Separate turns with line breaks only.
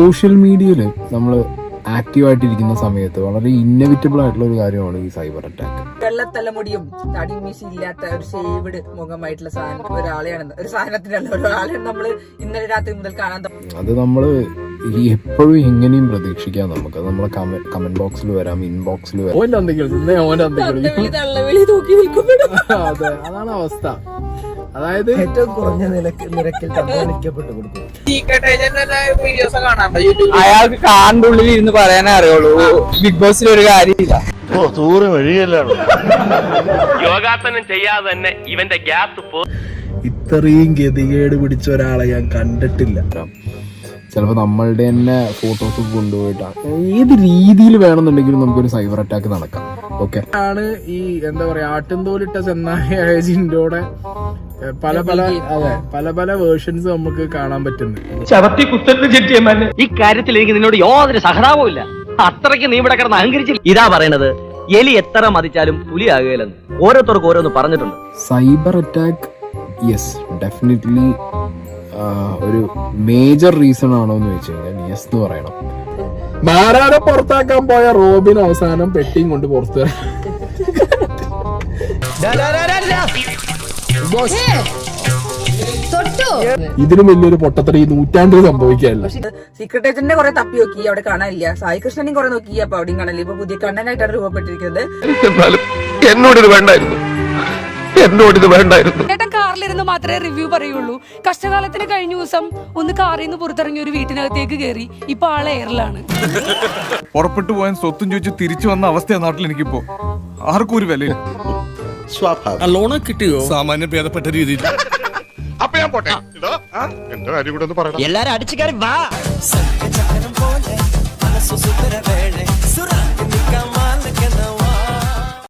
Social മീഡിയയിൽ നമ്മൾ ആക്റ്റീവായിട്ടിരിക്കുന്ന സമയത്ത് വളരെ ഇന്നവിറ്റബിൾ ആയിട്ടുള്ള ഒരു കാര്യമാണ് ഈ സൈബർ അറ്റാക്ക്.
വെള്ളത്തലമുടിയും തടിയും മീശയും ഇല്ലാത്ത ഒരു ഷേവ്ഡ് മുഖമായിട്ടുള്ള ഒരാളെയാണ്, ഒരു സാധനത്തിനല്ല ഒരാളെയാണ് നമ്മൾ ഇന്നലെ രാത്രി മുതൽ കാണാൻ.
അത് നമ്മൾ എപ്പോഴും എങ്ങനെയും പ്രതീക്ഷിക്കാം. നമുക്ക് നമ്മളെ കമന്റ് ബോക്സിൽ വരാം, ഇൻബോക്സിൽ വരാം. അതെ, അതാണ് അവസ്ഥ. അതായത്
ഏറ്റവും കുറഞ്ഞ നിരക്കിൽ തമ്മിലിക്കപ്പെട്ട് കൊടുക്കും.
അയാൾക്ക് കാണ്ടുള്ളിൽ ഇരുന്ന് പറയാനേ അറിയുള്ളൂ. ബിഗ് ബോസിൽ ഒരു കാര്യമില്ല.
യോഗാസനം ചെയ്യാതെ തന്നെ ഇവന്റെ ഗ്യാസ്
ഇത്രയും ഗതികേട് പിടിച്ച ഒരാളെ ഞാൻ കണ്ടിട്ടില്ല.
ചിലപ്പോൾ നമ്മളുടെ തന്നെ ഫോട്ടോസ് കൊണ്ടുപോയിട്ടാണ് ഏത് രീതിയിൽ വേണമെന്നുണ്ടെങ്കിലും നമുക്കൊരു സൈബർ അറ്റാക്ക് നടക്കാം. ഓക്കെ
ആണ് ഈ എന്താ പറയാ ആട്ടിൻതോലിട്ട ചെന്നായ ജിൻഡോടെ പല പല വേർഷൻസ് നമുക്ക് കാണാൻ പറ്റുന്നത്.
ചവത്തി കുത്തലിന് ചെറ്റിയമ്മ ഈ കാര്യത്തിൽ എനിക്ക് നിന്നോട് യാതൊരു സഹതാപവും ഇല്ല. അത്രയ്ക്ക് നീ ഇവിടെ കിടന്ന് അഹങ്കരിച്ചില്ല. ഇതാ പറയണത്, എലി എത്ര മതിച്ചാലും പുലിയാകുകയില്ലെന്ന് ഓരോരുത്തർക്ക് ഓരോന്ന് പറഞ്ഞിട്ടുണ്ട്.
സൈബർ അറ്റാക്ക് യെസ് ഡെഫിനറ്റ്ലി ഒരു മേജർ റീസൺ ആണോ എന്ന് വെച്ച് കഴിഞ്ഞാൽ യെസ് എന്ന് പറയണം.
മാരാരെ പുറത്താക്കാൻ പോയ റോബിൻ അവസാനം പെട്ടിയും കൊണ്ട് പുറത്ത്. ഇതിനും വലിയൊരു പൊട്ടത്തടി നൂറ്റാണ്ടിൽ സംഭവിക്കാനില്ല.
സീക്രട്ട് ഏജന്റിനെ കുറെ തപ്പി നോക്കി, അവിടെ കാണാനില്ല. സായി കൃഷ്ണനെയും കുറെ നോക്കി, അപ്പൊ അവിടെയും കാണാനില്ല. ഇപ്പൊ പുതിയ കണ്ണനായിട്ടാണ് രൂപപ്പെട്ടിരിക്കുന്നത്.
എന്നോടിത് വേണ്ടായിരുന്നു.
ചേട്ടൻ കാറിലിരുന്ന് മാത്രമേ റിവ്യൂ പറയുള്ളൂ. കഷ്ടകാലത്തിന് കഴിഞ്ഞ ദിവസം ഒന്ന് കാറിൽ നിന്ന് പുറത്തിറങ്ങി ഒരു വീട്ടിനകത്തേക്ക് കയറി. ഇപ്പൊ ആളെ എയറിലാണ്.
പുറപ്പെട്ടു പോയാൻ സ്വത്തും ചോദിച്ച് തിരിച്ചു വന്ന അവസ്ഥയാണ് നാട്ടിൽ. എനിക്കിപ്പോ ആർക്കും ഒരു വില
ലോണ് കിട്ടിയോ?
സാമാന്യം ഭേദപ്പെട്ട രീതിയിൽ.
അപ്പൊ ഞാൻ പോട്ടെ, എന്റെ കാര്യം കൂടെ ഒന്ന് പറയാം.
എല്ലാരും അടിച്ചു കയറി വാ.